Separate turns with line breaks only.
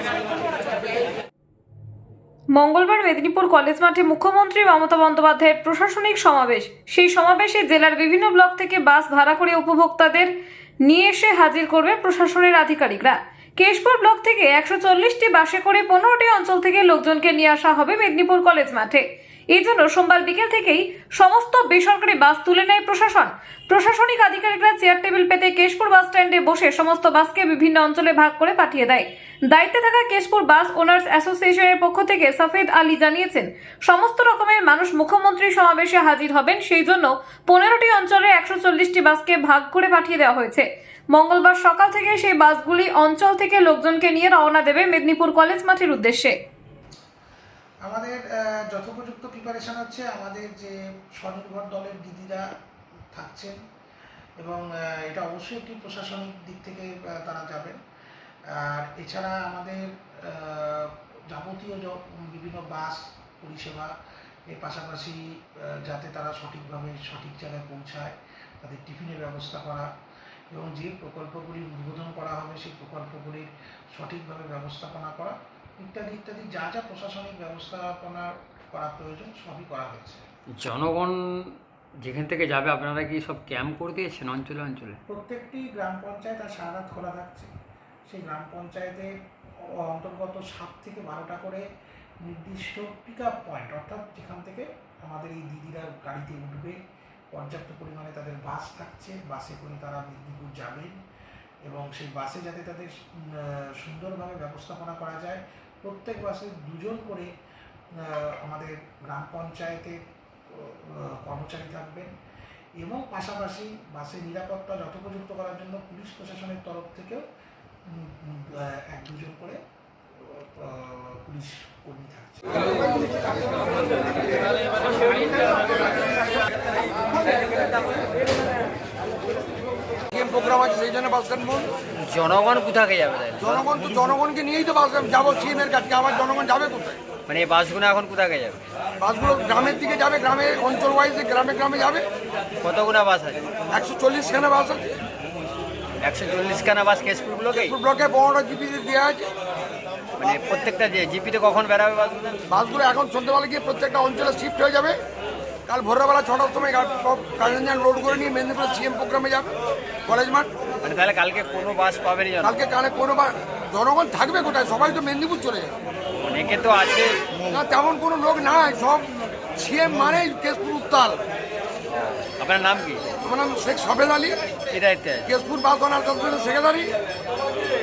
মঙ্গলবার মেদিনীপুর কলেজ মাঠে মুখ্যমন্ত্রী মমতা বন্দ্যোপাধ্যায়ের প্রশাসনিক সমাবেশ। সেই সমাবেশে জেলার বিভিন্ন ব্লক থেকে বাস ভাড়া করে উপভোক্তাদের নিয়ে এসে হাজির করবে প্রশাসনের আধিকারিকরা। কেশপুর ব্লক থেকে 140টি বাসে করে 15টি অঞ্চল থেকে লোকজনকে নিয়ে আসা হবে মেদিনীপুর কলেজ মাঠে। এই জন্য সোমবার বিকেল থেকেই সমস্ত বেসরকারি বাস তুলে নেয় প্রশাসন। প্রশাসনিক আধিকারিকরা চেয়ার টেবিল পেতে কেশপুর বাস স্ট্যান্ডে বসে সমস্ত বাসকে বিভিন্ন অঞ্চলে ভাগ করে পাঠিয়ে দেয়। দায়িত্বে থাকা কেশপুর বাস ওনার্স অ্যাসোসিয়েশনের পক্ষ থেকে সফেদ আলী জানিয়েছেন, সমস্ত রকমের মানুষ মুখ্যমন্ত্রী সমাবেশে হাজির হবেন, সেই জন্য 15টি অঞ্চলে 140টি বাসকে ভাগ করে পাঠিয়ে দেওয়া হয়েছে। মঙ্গলবার সকাল থেকে সেই বাসগুলি অঞ্চল থেকে লোকজনকে নিয়ে রওনা দেবে মেদিনীপুর কলেজ মাঠের উদ্দেশ্যে।
আমাদের যথোপযুক্ত প্রিপারেশন হচ্ছে। আমাদের যে স্বনির্ভর দলের দিদিরা থাকছেন এবং এটা অবশ্যই একটি প্রশাসনিক দিক থেকে তারা যাবেন। আর এছাড়া আমাদের যাবতীয় বিভিন্ন বাস পরিষেবা এর পাশাপাশি যাতে তারা সঠিকভাবে সঠিক জায়গায় পৌঁছায়, তাদের টিফিনের ব্যবস্থা করা এবং যে প্রকল্পগুলি উদ্বোধন করা হবে সেই প্রকল্পগুলির সঠিকভাবে ব্যবস্থাপনা করা ইত্যাদি ইত্যাদি যা যা প্রশাসনিক ব্যবস্থাপনা করা প্রয়োজন সবই করা হয়েছে।
জনগণ যেখান থেকে যাবে আপনারা কি সব ক্যাম্প করে দিয়েছেন অঞ্চলে অঞ্চলে?
প্রত্যেকটি গ্রাম পঞ্চায়েত আর সারা রাত খোলা থাকছে। সেই গ্রাম পঞ্চায়েতে অন্তর্গত 7 থেকে 12টা করে নির্দিষ্ট পিক আপ পয়েন্ট, অর্থাৎ যেখান থেকে আমাদের এই দিদিরা গাড়িতে উঠবে, পর্যাপ্ত পরিমাণে তাদের বাস থাকছে, বাসে করে তারা মেদিনীপুর যাবেন এবং সেই বাসে যাতে তাদের সুন্দরভাবে ব্যবস্থাপনা করা যায়। প্রত্যেক বাসে 2 জন করে আমাদের গ্রাম পঞ্চায়েতে কর্মচারী থাকবেন এবং পাশাপাশি বাসের নিরাপত্তা যথোপযুক্ত করার জন্য পুলিশ প্রশাসনের তরফ থেকেও 1-2 জন করে পুলিশ কর্মী থাকছে।
প্রোগ্রাম আছে সেই জন্য বাস স্ট্যান্ড বল।
জনগণ কোথাকে যাবে?
জনগণ তো জনগণকে নিয়েই তো বাস যাবো সিএমের কাছে। আবার জনগণ যাবে কোথায়?
মানে এই বাসগুলো এখন কোথাকে যাবে?
বাসগুলো গ্রামের দিকে যাবে, গ্রামে অঞ্চল ওয়াইজ গ্রামে গ্রামে যাবে।
কতগুলো বাস আছে?
140খানা বাস আছে।
140খানা বাস কেশপুর ব্লকে?
ব্লকে 15টা জিপিতে দেওয়া আছে।
মানে প্রত্যেকটা যে জিপিতে কখন বেরাবে বাসগুলো?
বাসগুলো এখন সন্ধ্যেবেলা গিয়ে প্রত্যেকটা অঞ্চলে শিফট হয়ে যাবে। কাল ভোরবেলা 6টার সময় কালিঞ্জান রোড করে নিয়ে মেদিনীপুর সিএম প্রোগ্রামে যাবে কলেজ মাঠ।
মানে তাহলে কালকে কোনো বাস পাবেনি?
কালকে কোনো জনগণ থাকবে কোথায়? সবাই তো মেদিনীপুর চলে যাবে।
অনেকে তো আছে
না, তেমন কোনো লোক নাই, সব সিএম মানেই কেশপুর উত্তাল।
আপনার নাম কি?
আমার নাম শেখ সফেদ আলী,
কি দায়িত্বে?
Keshpur bus owner secretary.